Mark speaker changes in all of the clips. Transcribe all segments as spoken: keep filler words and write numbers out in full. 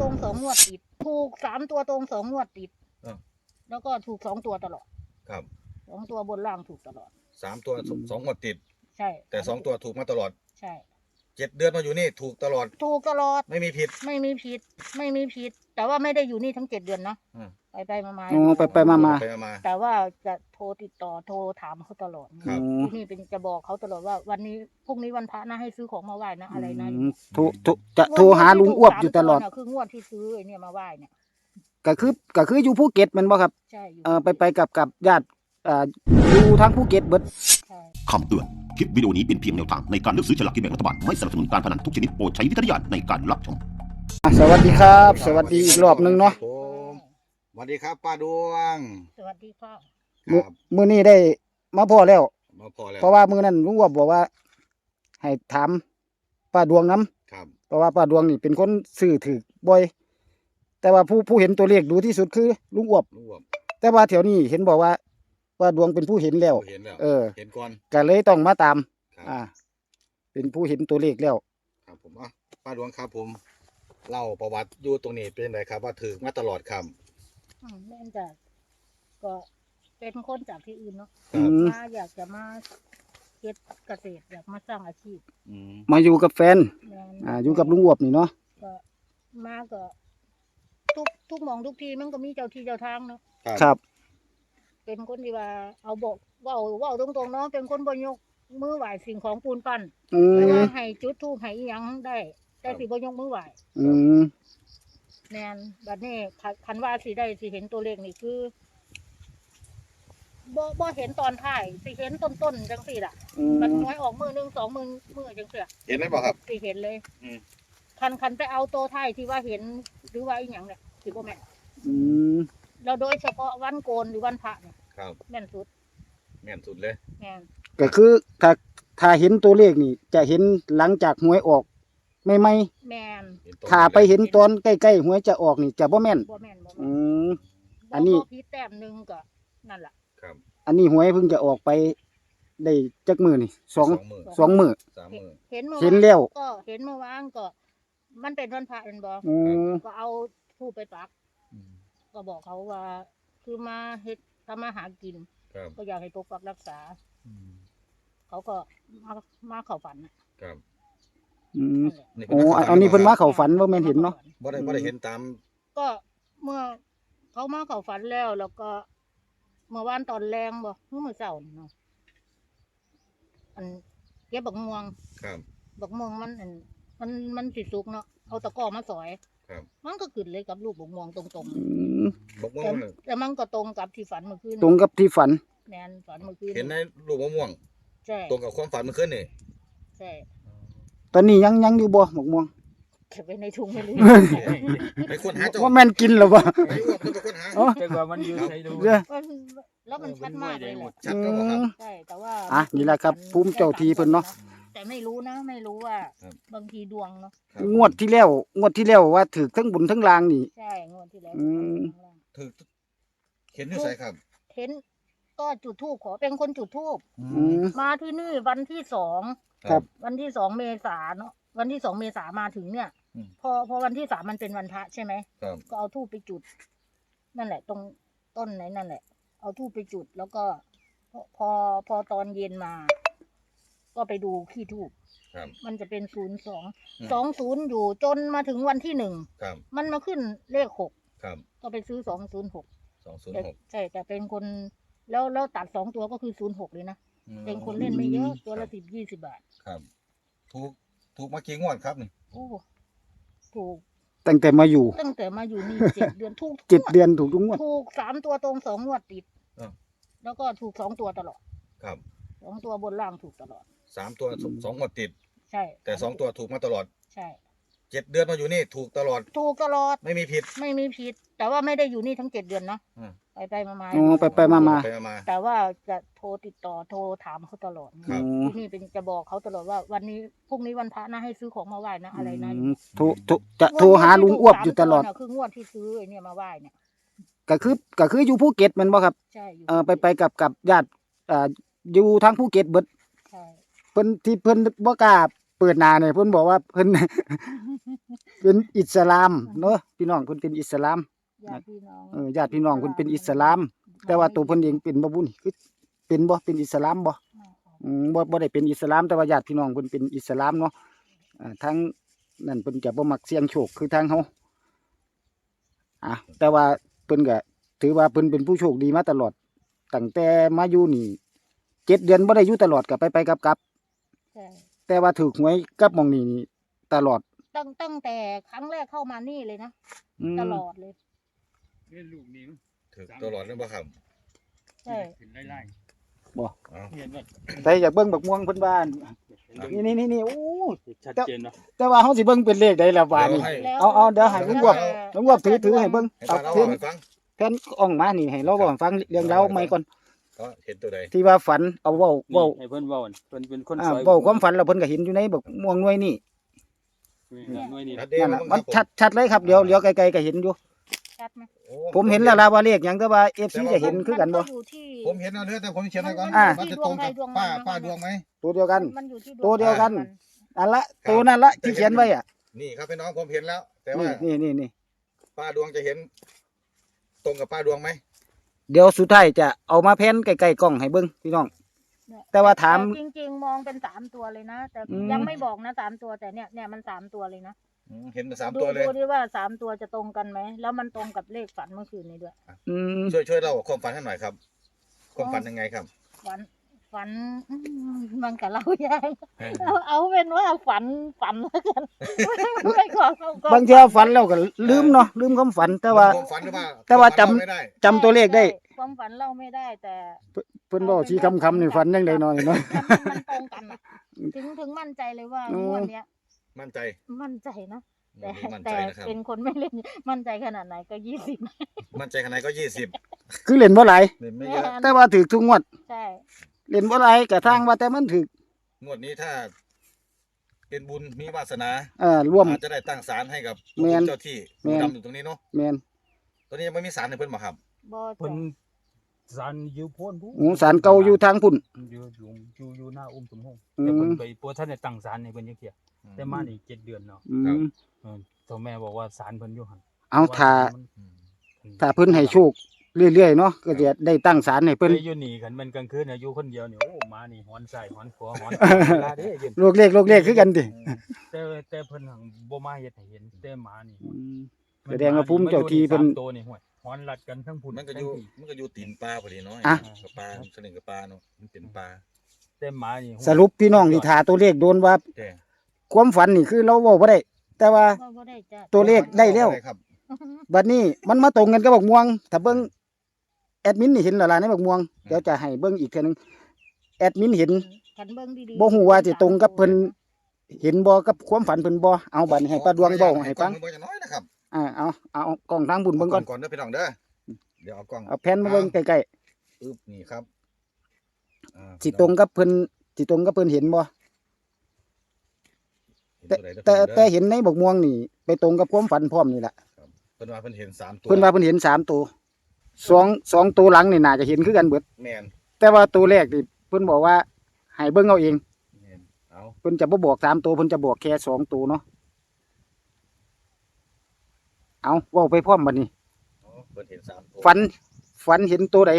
Speaker 1: รงสองงวดติดถูกสามตัวตรงสองงวดติดแล้วก็ถูกสองตัวตลอด
Speaker 2: ครับ
Speaker 1: สองตัวบนล่างถูกตลอด
Speaker 2: สามตัวสองงวดติด
Speaker 1: ใช่
Speaker 2: แต่สองตัวถูกมาตลอด
Speaker 1: ใช่
Speaker 2: เจ็ดเดือนมาอยู่นี่ถูกตลอด
Speaker 1: ถูกตลอด
Speaker 2: ไม่มีผิด
Speaker 1: ไม่มีผิดไม่มีผิดแต่ว่าไม่ได้อยู่นี่ทั้งเจ็ดเดือนนะไปไปมามา
Speaker 3: อ๋อไปไปมามา
Speaker 1: แต่ว่าจะโทรติดต่อโทรถามเขาตลอด
Speaker 2: ครับ
Speaker 1: ที่นี่เป็นจะบอกเขาตลอดว่าวันนี้พรุ่งนี้วันพระนะให้ซื้อของมาไหว้นะอะไรนะ
Speaker 3: โทรโทรจะโทรหาลุงอ้วบอยู่ตลอด
Speaker 1: คืองวดที่ซื้อไอ้เนี่ยมาไหว้เนี่ย
Speaker 3: ก็คือก็คืออยู่ภูเก็ตมันบ่ครับ
Speaker 1: ใช่
Speaker 3: เออไปไปกับกับญาติเอ่ออยู่ทางภูเก็ตเบิด
Speaker 4: คำเตือนคลิปวิดีโอนี้เป็นเพียงแนวทางในการเลือกซื้อฉลากกินแบ่งรัฐบาลไม่สนับสนุนการพนันทุกชนิดโปรดใช้วิจารณญาณในการรับชม
Speaker 3: สวัสดีครับสวัสดีอีกรอบนึงเนาะ
Speaker 2: สวัสดีครับป้าดวง
Speaker 1: สวัสดีพ่อ
Speaker 3: ครับมื้อนี้ได้มาพอแล้ว
Speaker 2: มาพอแล้ว
Speaker 3: เพราะว่ามื้อนั้นลุงอ้วบบอกว่าให้ถามป้าดวงนำ
Speaker 2: ครับ
Speaker 3: เพราะว่าป้าดวงนี่เป็นคนซื้อถือบ่อยแต่ว่าผู้ผู้เห็นตัวเลขดูที่สุดคือลุงอ้วบแต่ว่าแถวนี้เห็นบอกว่าป้าดวงเป็นผู้เห็นแล้วเออ
Speaker 2: เห็นก่อน
Speaker 3: ก็เลยต้องมาตามอ่าเป็นผู้เห็นตัวเลขแล้ว
Speaker 2: ครับผมอ่ะป้าดวงครับผมเล่าประวัติอยู่ตรงนี้เป็นไงครับว่าถือมาตลอดครับ
Speaker 1: อืมแม่นจ้ะก็เป็นคนจากที่อื่นเนาะมาอยากจะมาเฮ็ดเกษตรอยากมาสร้างอาชีพ
Speaker 3: มาอยู่กับแฟนอ่าอยู่กับลุงอ้วบนี่เนาะ
Speaker 1: ก็มาก็ทุกทุกหม่องทุกทีมันก็มีเจ้าที่เจ้าทางเนาะ
Speaker 3: ครับ
Speaker 1: เป็นคนที่ว่าเอาบอกเว้าเว้าตรงๆเนาะเป็นคนบ่ยกมือไหว้สิ่งของปูนปั้นแต่ว่าให้จุดธูปให้อีหยังได้แต่สิบ่ยกมือไหว้
Speaker 3: อืม
Speaker 1: แม่นบัดนี้คันว่าสิได้สิเห็นตัวเลขนี่คือบ่บ่เห็นตอนท้ายสิเห็นต้นๆจังซี่ล่ะมันน้อยออกมือหนึ่งสองมือมือจังซี่
Speaker 2: เห็นไหมบ่ครับ
Speaker 1: สิเห็นเลยอืมคันคันไปเอาตัวท้ายที่ว่าเห็นหรือว่าอีหยังเนี่ยสิบ่แม่น
Speaker 3: อืม
Speaker 1: แล้วโดยเฉพาะวันโกนหรือวันพระเนี่ย
Speaker 2: ครับ
Speaker 1: แม่นสุด
Speaker 2: แม่นสุดเลย
Speaker 1: แม่น
Speaker 3: ก็คือถ้าถ้าเห็นตัวเลขนี่จะเห็นหลังจากหวยออกไม่ไม่
Speaker 1: แม่น
Speaker 3: ถ้าไปเห็นตอนใกล้ๆหวยจะออกนี่จะบ่แม่น
Speaker 1: บ่แม่นบ่
Speaker 3: อืมอันนี้
Speaker 1: พี่แต้มนึงก็นั่นล่ะ
Speaker 2: ครับ
Speaker 3: อันนี้หวยเพิ่งจะออกไปได้จักมื้อนี่สอง สองมื้อ
Speaker 2: สามมื้อ
Speaker 1: เห็น
Speaker 3: เห็นแล้ว
Speaker 1: ก็เห็นเมื่อวานก็มันเป็นวันพระเห็นบ่ก็เอาธูปไปปักก็บอกเขาว่าคือมาเฮ็ดทำมาหากินก็อยากให้ปกปักรักษาเขาก็มามาเข้าฝัน
Speaker 2: ครับ
Speaker 3: อืมโอ้อันนี้เพิ่นมาเข้าฝันบ่แม่นเห็นเนาะ
Speaker 2: บ่ได้บ่ได้เห็นตาม
Speaker 1: ก็เมื่อเขามาเข้าฝันแล้วแล้วก็เมื่อวานตอนแรงบ่เมื่อเช้าเนาะอันเก็บบักม่วง
Speaker 2: ครับ
Speaker 1: บักม่วงมันอันมันมันสิสุกเนาะเอาตะกร้อมาสอย
Speaker 2: ครับ
Speaker 1: มันก็ขึ้นเลยกับลูกบักม่วงตรงๆ
Speaker 3: อืม
Speaker 2: บักม่วง
Speaker 1: แต่มันก็ตรงกับที่ฝันเมื่อคืน
Speaker 3: ตรงกับที่ฝัน
Speaker 1: แม่นฝันเมื่อคืน
Speaker 2: เห็นในลูกบักม่วง
Speaker 1: ใช่
Speaker 2: ตรงกับความฝันเมื่อคืนนี่
Speaker 1: ใช่
Speaker 3: ตอนนี้ยังยังอยู่บ่บักม่วง
Speaker 1: เก็บไว้ในถุงไม่รู้
Speaker 2: ไปค้นหาจ้ะ
Speaker 3: ว่าแม่นกินหรือบ่
Speaker 2: ไปอ้วกไปค้นหา
Speaker 5: อ๋อแต่ว่ามันอยู่ใส่ดู
Speaker 1: แล้วมันชัดมากเลย
Speaker 2: ชัดก็บ่ครับ
Speaker 1: ใช่แต่ว่า
Speaker 3: อ่ะนี่แหละครับภูมิเจ้าที่เพิ่นเนาะ
Speaker 1: แต่ไม่รู้นะไม่รู้ว่าบางทีดวงเนาะ
Speaker 3: งวดที่แล้วงวดที่แล้วว่าถูกทั้งบุญทั้งลางนี่
Speaker 1: ใช่งวดที่แล้ว
Speaker 3: อืม
Speaker 2: ถูกเห็นอยู่ไสครับ
Speaker 1: เห็นก็จุดธูปขอเป็นคนจุดธูปมาที่นี่วันที่สอง
Speaker 3: ครับ
Speaker 1: วันที่สองเมษาเนาะวันที่สองเมษามาถึงเนี่ยพอพอวันที่สามมันเป็นวันพระใช่ไหมก็เอาธูปไปจุดนั่นแหละตรงต้นไหนนั่นแหละเอาธูปไปจุดแล้วก็พอพอตอนเย็นมาก็ไปดูขี้ธูปมันจะเป็นศูนย์สองสองศูนย์อยู่จนมาถึงวันที่หนึ่งมันมาขึ้นเลขหกก็ไปซื้อสองศูนย์หก
Speaker 2: สองศูนย์หก
Speaker 1: ใช่แต่เป็นคนแล้วแล้วตัดสองตัวก็คือศูนย์หกเลยนะเป็นคนเล่นไม่เยอะตัวละสิบยี่สิบบาท
Speaker 2: ครับถูกถูกมากี่งวดครับนี่
Speaker 1: โอ้ถูก
Speaker 3: ตั้งแต่มาอยู่
Speaker 1: ตั้งแต่มาอยู่นี่เจ็ดเดือนถูก
Speaker 3: เจ็ดเดือนถูกทุกงวด
Speaker 1: ถูกสามตัวตรงสองงวดติดแล้วก็ถูกสองตัวตลอด
Speaker 2: ครับ
Speaker 1: สองตัวบนล่างถูกตลอด
Speaker 2: สามตัวสองงวดติด
Speaker 1: ใช่
Speaker 2: แต่สองตัวถูกมาตลอด
Speaker 1: ใช่
Speaker 2: เจ็ดเดือนมาอยู่นี่ถูกตลอด
Speaker 1: ถูกตลอด
Speaker 2: ไม่มีผิด
Speaker 1: ไม่มีผิดแต่ว่าไม่ได้อยู่นี่ทั้งเจ็ดเดือนเนาะไปไปมามา
Speaker 3: อ๋อไปไปมามา
Speaker 1: แต่ว่าจะโทรติดต่อโทรถามเขาตลอดที่นี่เป็นจะบอกเขาตลอดว่าวันนี้พรุ่งนี้วันพระนะให้ซื้อของมาไหว้นะอะไรนะ
Speaker 3: โทรจะโทรหาลุงอ้วบอยู่ตลอด
Speaker 1: คืองวดที่ซื้อไอ้เนี่ยมาไหว้เนี่ย
Speaker 3: ก็คือก็คืออยู่ภูเก็ตมันบ่ครับ
Speaker 1: ใช่
Speaker 3: เออไปไปกับกับญาติอ่าอยู่ทางภูเก็ตเบิด
Speaker 1: ใช่
Speaker 3: เพิ่นที่เพิ่นบ่กล้าเปิดหน้าเนี่ยเพิ่นบอกว่าเพิ่น เป็นอิสลามเนาะพี่น้องเพิ่นเป็นอิสลาม
Speaker 1: ญาติพี่น้อง
Speaker 3: เออญาติพี่น้องเพิ่นเป็นอิสลาม แต่ว่าตัวเพิ่นเองเป็นบ่บุญคือเป็นบ่เป็นอิสลามบ่อืมบ่บ่ได้เป็นอิสลามแต่ว่าญาติพี่น้องเพิ่นเป็นอิสลามเนาะอ่าทางนั่นเพิ่นจะบ่มักเสี่ยงโชคคือทางเฮาอ่ะแต่ว่าเพิ่นก็ถือว่าเพิ่นเป็นผู้โชคดีมาตลอดตั้งแต่มาอยู่นี่เจ็ดเดือนบ่ได้อยู่ตลอดก็ไปไปกลับ
Speaker 1: ใช่
Speaker 3: ๆแต่ว่าถูกหวยกับหม่องนี้นี่ตลอด
Speaker 1: ตั้งตั้งแต่ครั้งแรกเข้ามานี่เลยนะ
Speaker 3: อืม
Speaker 1: ตลอดเลย
Speaker 5: นี่ลูกนี้มั้ง
Speaker 2: ถือตลอดนั่นบ่ครับ
Speaker 1: ใช่
Speaker 5: เห็นไล่
Speaker 3: บ่
Speaker 2: เอา
Speaker 5: ๆเห็นว่า
Speaker 3: แต่อยากเบิ่งบักม่วงเพิ่นว่า
Speaker 5: เห็น
Speaker 3: นี่นี่นี่โอ้
Speaker 5: ชัดเจนเนาะ
Speaker 3: แต่ว่าเฮาสิเบิ่งเป็นเลขใดล่ะว่านี่
Speaker 2: ให้
Speaker 1: แล้ว
Speaker 3: เอาเอาเดี๋ยวให้ลุงบวบ
Speaker 1: แ
Speaker 3: ลุงบวบถือถือให้เบิ่ง
Speaker 2: ให้
Speaker 3: เอา
Speaker 2: ตาเรา
Speaker 3: เพิ่น
Speaker 2: ให้ฟัง
Speaker 3: แผ่นอ่องมานี่ให้เราเว้าให้ฟังเรื่องราวใหม่ก่อน
Speaker 2: ก็เห็นตัวใด
Speaker 3: ที่ว่าฝันเอาเว้าเว้า
Speaker 5: ให้เพิ่นเว้าอั่นเพิ่นเป็นคน
Speaker 3: อ่า
Speaker 5: สวย
Speaker 3: เว้าความฝันแล้วเพิ่นก็เห็นอยู่ในบักม่วงหน่วยนี่
Speaker 5: หน่วยนี่
Speaker 2: ชัดเจน
Speaker 3: นั่นน่ะ
Speaker 2: มั้ง
Speaker 3: มัน
Speaker 2: ครับ
Speaker 3: ชัดชัดเลยครับเดี๋ยวเลี้ยวไกลๆก็เห็นอยู่
Speaker 1: ชัดไหม
Speaker 2: โอ้
Speaker 3: ผมเห็นแล้วล่ะว่าเลขหยังแต่ว่า เอฟ ซี จะเห็นคือกันบ่
Speaker 1: มัอยู่ที่
Speaker 2: ผมเห็นเอาเนื้อแต่ผมเขียนไว้ก่อน
Speaker 1: อ่า
Speaker 2: มันจะตรงกับป้าป้าดวงไหม
Speaker 3: ตัวเดียวกัน
Speaker 1: มันอยู่ที่ด
Speaker 3: ตัวเดียวกัน
Speaker 1: มั
Speaker 3: อันละตัวนั่นละที่เขียนไว้อ่ะ
Speaker 2: นี่ครับพี่น้องผมเห็นแล้ว แต่ว่า
Speaker 3: นี่นี่นี่
Speaker 2: ป้าดวงจะเห็น ตรงกับป้าดวงไหม
Speaker 3: เดี๋ยวสุดท้ายจะเอามาแผ่นใกล้ๆกล้องให้เบิ่งพี่น้อง
Speaker 1: เนี่ย
Speaker 3: แต่ว่าถาม
Speaker 1: จริงๆมองเป็นสามตัวเลยนะแต่
Speaker 3: อืม
Speaker 1: ยังไม่บอกนะสามตัวแต่เนี่ยเนี่ยมันสามตัวเลยนะ
Speaker 2: อืมเห็นเป็นสาม
Speaker 1: ดู
Speaker 2: ตัวเลย
Speaker 1: ดูดิว่าสามตัวจะตรงกันไหมแล้วมันตรงกับเลขฝันเมื่อคืนนี้ด้วย
Speaker 3: อืม
Speaker 2: ช่วยช่วยเล่าความฝันให้หน่อยครับ ความฝันยังไงครับ
Speaker 1: ฝันฝันอืมมันกับเรายากเอาเอาเป็นว่าฝันฝันแล้วกันไม่ขอเข้ากล้อง
Speaker 3: บางเทีฝันแล้วก็ลืมเนาะลืมความฝันแต่ว่า
Speaker 2: ความฝันหรือว่า
Speaker 3: แต่ว่าจำ
Speaker 2: ความฝันเล่ไม่ได้
Speaker 3: จำตัวเลขได้
Speaker 1: ใช่ความฝันเล่าไม่ได้แต่
Speaker 3: เพิ่นบอกชี้คำๆนี่ฝันยังไดเนาะนี่เนาะ
Speaker 1: มันตรงกันอะถึงถึงมั่นใจเลยว่า
Speaker 3: อืม
Speaker 1: งวดเนี้ย
Speaker 2: มั่นใจ
Speaker 1: มั่นใจนะแต่
Speaker 2: มั่นใจ
Speaker 1: แต่
Speaker 2: นะครับ
Speaker 1: เป็นคนไม่เล่นมั่นใจขนาดไหนก็ยี่สิบ
Speaker 2: มั่นใจขนาดไหนก็ยี่สิบ
Speaker 3: คือเล่นบ่หลาย
Speaker 2: ไม่เยอะ
Speaker 3: แต่ว่าถูกทุกงวด
Speaker 1: ใช่
Speaker 3: เล่นบ่หลายก็ทางว่าแต่มันถูก
Speaker 2: งวดนี้ถ้า เป็นบุญมีวาสนา
Speaker 3: เอ่อร่วม
Speaker 2: อาจจะได้ตั้งศาลให้กับ
Speaker 3: แม่น
Speaker 2: เจ้าที่
Speaker 3: แม่น
Speaker 2: ดำอยู่ตรงนี้เนาะ
Speaker 3: แม่น
Speaker 2: ตอนนี้ยังไม่มีศาลให้เพิ่นบ่ครับ
Speaker 1: บอ
Speaker 5: เพิ่น
Speaker 1: จ้ะ
Speaker 5: สันอยู่โพ้นผู้
Speaker 3: หมูสารเก่าอยู่ทางพุ่น
Speaker 5: อยู่อยู่อยู่อยู่หน้าอุ้มสมพงษ์
Speaker 3: อืม
Speaker 5: แต่เพิ่นไปปัวท่านได้ตั้งศาลให้เพิ่นจังเที่ยแต่มานี่เจ็ดเดือนเนาะ
Speaker 3: อื
Speaker 2: ครับ
Speaker 3: ม
Speaker 5: เออเจ้าแม่บอกว่าศาลเพิ่นอยู่หั่น
Speaker 3: เอาถ้า
Speaker 5: มัน
Speaker 2: อืม
Speaker 3: ถ้าเพิ่นให้โชคเรื่อยๆเนาะก็จะได้ตั้งศาลให้เพิ่น
Speaker 5: ไปอยู่นี่กันมันกลางคืนน่ะอยู่คนเดียวนี่โอ้มานี่หอนใส่หอนขัวหอนเวลาเด้ยืน
Speaker 3: โลกเลขโลกเลขคือกันติ
Speaker 5: แต่แต่เพิ่นหังบ่มาเฮ็ดให้เห็นแต่หมานี่
Speaker 3: อืม แสดงว่าภูมิเจ้าที่เพิ่น
Speaker 5: มัอยู่ใสามตัวนี่ห้วยหอนลัดกันทั้งพุ่น
Speaker 2: มันก็อยู่
Speaker 5: ทั้งพี่
Speaker 2: มันก็อยู่ตีนปลาพอดีเนาะ
Speaker 3: อ่ะ
Speaker 2: กับปลาสนิทกับปลาเนาะมันเป็นปลา
Speaker 5: แต่หมานี่ห้วย
Speaker 3: สรุปพี่น้องที่ถาตัวเลขโดนว่า
Speaker 2: แก่
Speaker 3: ความฝันนี่คือเราเว้าบ่ได้ แต่ว่า
Speaker 1: ก็บ่ได้จ้ะ
Speaker 3: ตัวเลขได้แล้ว
Speaker 2: ครับ
Speaker 3: บัดนี้มันมาตรงกันกับบักม่วง ถ้าเบิ่งแอดมินนี่เห็นแล้วล่ะในบักม่วงเดี๋ยวจะให้เบิ่งอีกเทื่อนึงแอดมินเห็น
Speaker 1: ขันเบิ้งดีๆ
Speaker 3: บ่ฮู้ว่าสิตรงกับเพิ่นเห็นบ่กับความฝันเพิ่นบ่เอาบัดนี้ให้ป้าดวงเว้าให้ฟัง
Speaker 2: กล้อมือจะน้อยนะครับ
Speaker 3: อ่าเอาเอากล้องทางบุญเบิ่งก่อน
Speaker 2: ก่อนเด้อพี่น้องเด้อเดี๋ยวเอากล้อง
Speaker 3: เอาแผ่นมาเบิ่งใกล้
Speaker 2: อึ๊บนี่ครับอ่า
Speaker 3: ๆสิตรงกับเพิ่นสิตรงกับเพิ่นเห็นบ่
Speaker 2: เห็น
Speaker 3: แต่
Speaker 2: วใดเด้อ
Speaker 3: แต่
Speaker 2: พี่น้องเด้อ
Speaker 3: แต่เห็นในบักม่วงนี่ ไปตรงกับความฝันพร้อมนี่ล่ะ
Speaker 2: เพิ่นว่าเพิ่นเห็นสามตัว
Speaker 3: เพิ่นว่าเพิ่นเห็นสามตัวสองสองตัวหลังนี่น่าจะเห็นคือกันเบิด
Speaker 2: แม่น
Speaker 3: แต่ว่าตัวแรกนี่เพิ่นบอกว่าให้เบิ่งเอาเอง
Speaker 2: แม่นเอา
Speaker 3: เพิ่นจะบ่บอกสามตัวเพิ่นจะบอกแค่สองตัวเนาะเอาเว้าไปพร้อมบัดนี้
Speaker 2: เอาเพิ่นเห็นสามตัว
Speaker 3: ฝันฝันเห็นตัวใด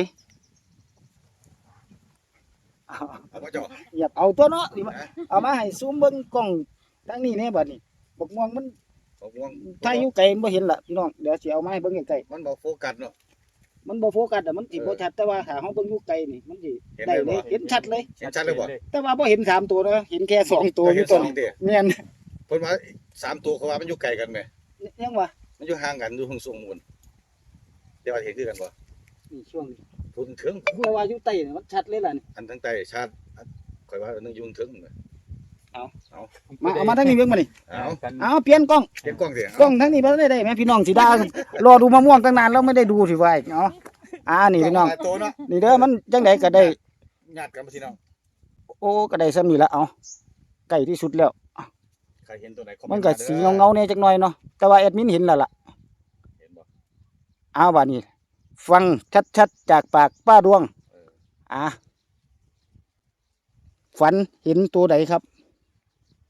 Speaker 3: เอา
Speaker 2: เอาบ่จ่อ
Speaker 3: อยากเอาตัวเนาะนี่มา
Speaker 2: นะ
Speaker 3: เอามาให้ซูมเบิ่งกล้องทางนี้แน่บัดนี้บักม่วงมัน
Speaker 2: บอกง่วง
Speaker 3: ถ้าอยู่ไกลมันบ่เห็นล่ะพี่น้องเดี๋ยวสิเอามาให้เบิ่งใกล้
Speaker 2: มันบ่โฟกัสเนาะ
Speaker 3: ๆมันบ่โฟกัสอ่ะมันสิบ่ชัดแต่ว่าถ้าเฮาเบิ่งอยู่ไกลนี่มันสิ
Speaker 2: เห็น
Speaker 3: ได้
Speaker 2: เลย
Speaker 3: เล
Speaker 2: บ่
Speaker 3: ยเห็นชัดเลย
Speaker 2: เห็นชัดเลยบ่
Speaker 3: แต่ว่าบ่เห็นสามตัวเนาะเห็นแค่สองตัวอยู่ต้น
Speaker 2: เห็นสองเด้อ
Speaker 3: แม่น
Speaker 2: เพิ่นว่าสามตัวเขาว่ามันอยู่ไกลกันแหม
Speaker 3: ยังวะ
Speaker 2: มันอยู่ห่างกันอยู่ห่างสูงหมุ่นเดี๋ยวว่าเห็นคือกันบ่
Speaker 3: นี่ช่วงนี้
Speaker 2: พูดถึง
Speaker 3: เพราะว่าอยู่ใต้นี่มันชัดเลยล่ะนี่
Speaker 2: อันทั้งใต้ชาติข่อยว่าอันนึงอยุ่งถึงเลย
Speaker 3: มาเอามาทางนี้เบิ่งมานี่
Speaker 2: เอา
Speaker 5: กัน
Speaker 3: เอาเปลี่ยนกล้อง
Speaker 2: เก็บกล้องสิ
Speaker 3: กล้องทางนี้บ่ได้ได้แม่พี่น้องสิด่ารอดูมะม่วงตั้งนานแล้วไม่ได้ดูสิว่าอีกเนาะอ่านี่พี่น้อง
Speaker 2: หลายตัวเนาะ
Speaker 3: นี่เด้อมันจังไดก็ได้
Speaker 2: ญาติกันพี่น้อง
Speaker 3: โอ้ก็ได้ซ้ำนี่ละเอาใกล้ที่สุดแล้ว
Speaker 2: ใครเห็นตัวไหนคอ
Speaker 3: มัน
Speaker 2: เต์
Speaker 3: ก็
Speaker 2: ด้อ
Speaker 3: สีเงาๆเนี่ยจักหน่อยเนาะแต่ว่าแอดมินเห็นแล้วล่ะ
Speaker 2: เห็นบ่
Speaker 3: เอาบัดนี้ ฟังชัดๆจากปากป้าดวง
Speaker 2: เออ
Speaker 3: อ่ะฝันเห็นตัวใดครับ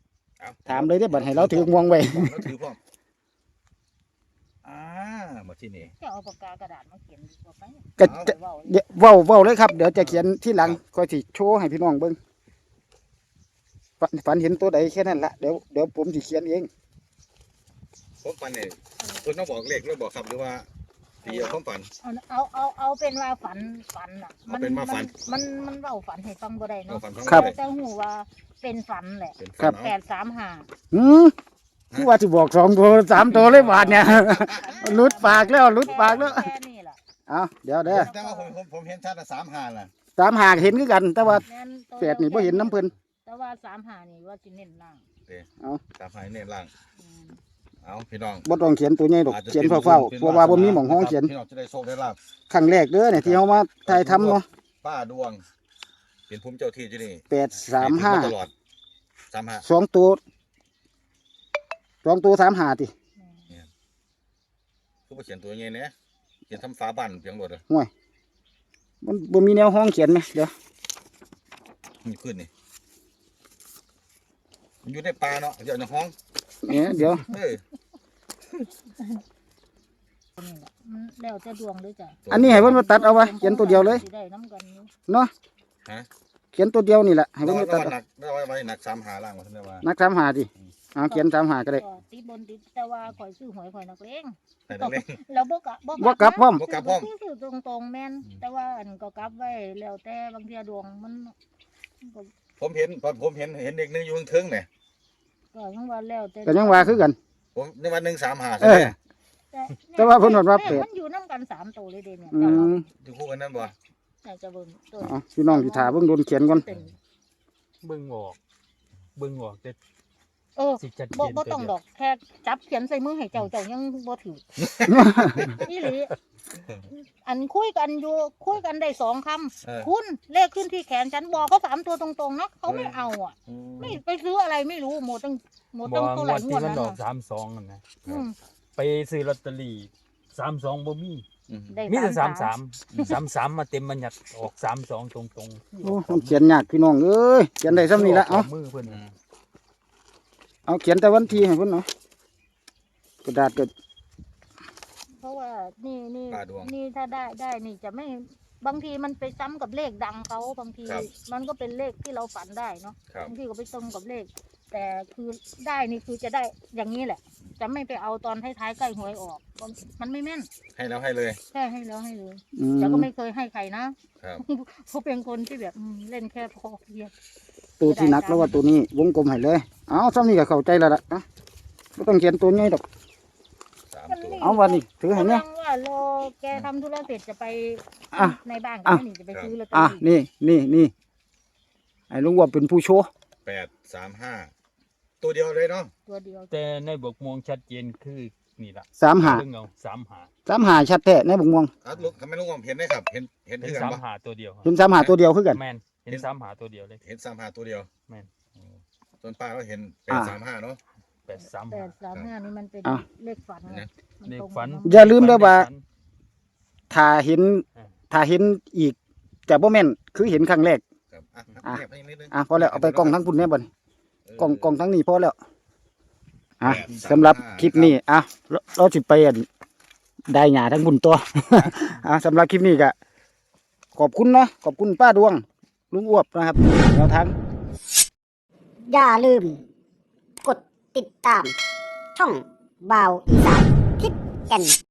Speaker 2: เอา
Speaker 3: ถามเลยได้อบัดให้เราถือม่วงไว้
Speaker 2: เราถือพร้อมอ่ามาที่นี่
Speaker 1: จะเอาปากกากระดาษมาเขียนดีกว่าไป
Speaker 3: ก็จะ
Speaker 1: เว้า
Speaker 3: เดี๋ยวเว้าเว้าเลยครับเดี๋ยวจะเขียนที่หลังก็สิโชว์ให้พี่น้องเบิ่งฝันฝันเห็นตัวใดแค่นั้นละเดี๋ยวเดี๋ยวผมสิเขียนเอง
Speaker 2: ผมฝันเนี่ยคุณต้องบอกเลขแล้วบอกครับหรือว่าตีเอาความฝัน
Speaker 1: เอาเอาเอาเอาเป็นว่าฝันฝันอ่ะ
Speaker 2: เอาเป็นว่าฝัน
Speaker 1: มันมันเว้าฝันให้ฟังบ่ได้
Speaker 2: เอา
Speaker 1: เนาะ
Speaker 2: ฝันทั้ง
Speaker 3: ครับ
Speaker 2: เลย
Speaker 1: แต่หูว่าเป็นฝันแหละ
Speaker 2: เป็น
Speaker 3: ครั
Speaker 2: ฝัน
Speaker 3: บ
Speaker 1: แป
Speaker 2: เอา
Speaker 1: ดสามห้า
Speaker 3: หืมคือว่าสิบอกสองตัวสามตัวเลยบาดเนี่ย หลุดปากแล้วหลุดปากแล้ว
Speaker 1: แค่นี้ล่ะ
Speaker 3: เอาเดี๋ยวเด้อ
Speaker 2: แต่ว่าผมผมผมเห็นชัดสามห้าล่ะ
Speaker 3: สามหากเห็นคือกัน แต่ว่า
Speaker 1: แม่นตัว
Speaker 3: แปดนี่บ่เห็นน้ำเพิ่น
Speaker 1: แต่ว่าสามห้านี่ว่าสิเน้นล่าง
Speaker 2: สามห้าเน้นล่าง
Speaker 1: อืม
Speaker 2: เอาพี่น้อง
Speaker 3: บ่ต้องเขียนตัวใหญ่ดอก
Speaker 2: อาจจะ
Speaker 3: เขียนเฝ้าๆเพราะว่าบ่มีหม่องห้องเขียน
Speaker 2: พี่น้องจะได้โชคได้ลาบ
Speaker 3: ครั้งแรกเด้อเนี่ยที่เฮามาถ่ายทำเนาะ
Speaker 2: ป้าดวง เป็นภูมิเจ้าที่ที่นี่
Speaker 3: แปดสามห้า
Speaker 2: ตลอดสามห้า
Speaker 3: สองตัวสองตัวสามหาติ
Speaker 2: คือบ่เขียนตัวยังไงเนี่ยเขียนทำฝาบ้านเพียงหมดเลย
Speaker 3: มันบ่มีแนวห้องเขียนไหมเดี๋ยว
Speaker 2: มีขึ้นนี่มันอยู่ในป่าเนาะเดี๋ยวในห้อง
Speaker 3: เนี่ยเดี๋ยว
Speaker 2: เออ
Speaker 1: นี่แหละมันแล้วแต่ดวงด้วยจ้ะ
Speaker 3: อันนี้ให้เพิ่นมาตัดเอาไว้เขียนตัวเดียวเลย
Speaker 1: สิได้น้ำกันอยู่
Speaker 3: เนาะ
Speaker 2: ฮะ
Speaker 3: เขียนตัวเดียวนี่แหละให้
Speaker 2: เรา
Speaker 3: เพิ่นมา
Speaker 2: เรา
Speaker 3: ตัด
Speaker 2: หนักเราไว้ไว้หนักสามหาล่างว่าท่านได้ว่า
Speaker 3: นักสามหาดิเอาเขียนสามหาก็ได้
Speaker 1: ก็ติดบนติดแต่ว่าข่อยซื้อหวยข่อยนักเลง
Speaker 2: แต่นักเลง
Speaker 1: แล้วบ่กะ
Speaker 3: บ่กลับพร้อม
Speaker 2: บ่กลับพร้อม
Speaker 1: ซื้อตรงตรงๆแม่นแต่ว่าอันก็กลับไว้แล้วแต่บางเทีดวงมันมันก็
Speaker 2: ผมเห็นผมเห็นเห็นเด็กนึงอยู่ข้างเทิงเนี่ย
Speaker 1: ก็ยังว่าแล้วแต่
Speaker 3: ก็ยังว่าคือกัน
Speaker 2: ผมในวันหนึ่งสามหา
Speaker 3: เออ แต่ว่าเพิ่นว่าเป็ด
Speaker 1: มันอยู่นํกันสามตัวเลยเด้เนี่ย
Speaker 3: อื
Speaker 1: แต่ว่าม
Speaker 2: อยู่คู่กันนั่นบ่
Speaker 1: น่าจะเบิ่งตัว
Speaker 3: เอาพี่น้องสิถาเบิ่งโดนเขียนก่อน
Speaker 1: เป็น
Speaker 5: เบิ่งออกเบิ่งออกแต่
Speaker 1: เออ
Speaker 5: สิจัดเจ
Speaker 1: บ่
Speaker 5: น
Speaker 1: บ่
Speaker 5: ตัว
Speaker 1: ต้อง
Speaker 5: เดี
Speaker 1: ด
Speaker 5: ยว
Speaker 1: อกแค่จับเขียนใส่มือให้เจ้าเจ้ายังบ่ถือ นี่หลีอันคุยกันอยู่คุยกันได้สองคำ
Speaker 2: เออ
Speaker 1: คุณเลขขึ้นที่แขนฉันบอกเขาสามตัวตรงๆนะเขาไม่เอาอ่ะ
Speaker 2: อืม
Speaker 1: ไม่ไปซื้ออะไรไม่รู้หมดตั้งหมด
Speaker 5: บ่
Speaker 1: ตั้ง
Speaker 5: ง
Speaker 1: เท่าไห
Speaker 5: ว
Speaker 1: ร่
Speaker 5: ด
Speaker 1: ง
Speaker 5: ที่
Speaker 1: วด
Speaker 5: มัน
Speaker 1: นั้น
Speaker 5: ดอก
Speaker 1: น่ะ
Speaker 5: สามสองนั่นนะ
Speaker 1: อืม
Speaker 5: ไปซื้อลอตเตอรี่สามสองบ่มี
Speaker 2: อืม
Speaker 1: ได้
Speaker 5: มีแต่สาม
Speaker 1: สา
Speaker 5: สาม มสามสามมาเต็มบัญญัติออกสามสองตรงตรง
Speaker 3: โอ้มันเขียนยากพี่น้องเอ้ยเขียนได้ซ้ำนี่ละเอา
Speaker 5: มือเพิ่น
Speaker 2: อืม
Speaker 3: เอาเขียนแต่วันที่ให้เพิ่นเนาะกระดาษก็
Speaker 1: เพราะว่านี่นี่
Speaker 2: ป้าดวง
Speaker 1: นี่ถ้าได้ได้นี่จะไม่บางทีมันไปซ้ำกับเลขดังเขาบางที
Speaker 2: ครับ
Speaker 1: มันก็เป็นเลขที่เราฝันได้เนาะ
Speaker 2: ครับ
Speaker 1: บางทีก็ไปตรงกับเลข แต่คือได้นี่คือจะได้อย่างนี้แหละ จะไม่ไปเอาตอนท้ายๆใกล้หวยออกมันไม่แม่น
Speaker 2: ให้แล้วให้เลย
Speaker 1: แค่ให้แล้วให้เลย
Speaker 3: อืม
Speaker 1: แต่ก็ไม่เคยให้ใครนะครับ เขาเป็นคนที่แบบอืมเล่นแค่พอเพียง
Speaker 3: ตัวที่หนักแล้วว่าตัวนี้วงกลมให้เลยเอาซ้ำนี่ก็เข้าใจแล้วล่ะนะบ่ต้องเขียนตัวใหญ่ดอก
Speaker 2: สามตัว
Speaker 3: เอาวันนี้ถือให้เนี่ย
Speaker 1: กำลังว่าโลแกทำธุระเสร็จจะไป
Speaker 3: อ่ะ
Speaker 1: ในบ้าน
Speaker 3: อ่ะ
Speaker 1: ก็นี่จะไปซื้อลอตเตอ
Speaker 3: อ่ะ
Speaker 1: รี่
Speaker 3: นี่นี่นี่ไอ้ลุงว่าเป็นผู้โชว์
Speaker 2: แปดสามห้าตัวเดียวเลยเนาะ
Speaker 1: ตัวเดียว
Speaker 5: แต่ในบกม่วงชัดเจนคือนี่ล่ะ
Speaker 3: สามหา
Speaker 5: เบิ่งเอาสามหา
Speaker 3: สามหาชัดแท้ในบกม่วง
Speaker 2: อ่ะลูกทำไมลุงผมเห็นได้ครับ เห็นเห็น
Speaker 5: เห็น
Speaker 2: ที่กัน
Speaker 5: สาม
Speaker 2: ปะ
Speaker 5: หาตัวเดียว
Speaker 3: เห็นสามหาตัวเดียวคือกัน
Speaker 5: แม่นเห็นสามหาตัวเดียวเลย
Speaker 2: เห็นสามห้าตัวเดียว
Speaker 5: แม่น
Speaker 2: อ๋อส่วนป้าก็เห็นแป
Speaker 3: อ่า
Speaker 2: ดสามห้าเนาะ
Speaker 5: แปดสาม
Speaker 1: แป
Speaker 5: หา
Speaker 1: ดสามห้านี่มันเป็น
Speaker 3: อ่ะ
Speaker 1: เลขฝันไง
Speaker 2: นะ
Speaker 1: มั
Speaker 5: เลข
Speaker 1: ตรง
Speaker 5: ฝัน
Speaker 1: กับ
Speaker 3: อย่าลืมเด้อว่า
Speaker 5: ฝัน
Speaker 3: ถ้าเห็น
Speaker 5: อ่า
Speaker 3: ถ้าเห็นอีกจะบ่แม่นคือเห็นครั้งแรก
Speaker 2: ครับอ่ะ
Speaker 3: อ่ะ
Speaker 2: เงียบให้นิดนึง
Speaker 3: อ่ะพอแล้วเอาไปกล้องทั้งพุ่นแน่บ่นี่
Speaker 2: เ
Speaker 3: กล้องกล้องทั้งนี้พอแล้วอ่ะ
Speaker 2: แปดสาม
Speaker 3: สำหรับ
Speaker 2: ห้า
Speaker 3: คลิปนี้อ่ะเราเราสิไปอันได้หญ้าทั้งบุญตัว อ่ะสำหรับคลิปนี้ก็ขอบคุณเนาะขอบคุณป้าดวง ลุงอ้วบนะครับแนวทาง
Speaker 6: อย่าลืม กดติดตาม ช่องบ่าวอีสานทิศแก่น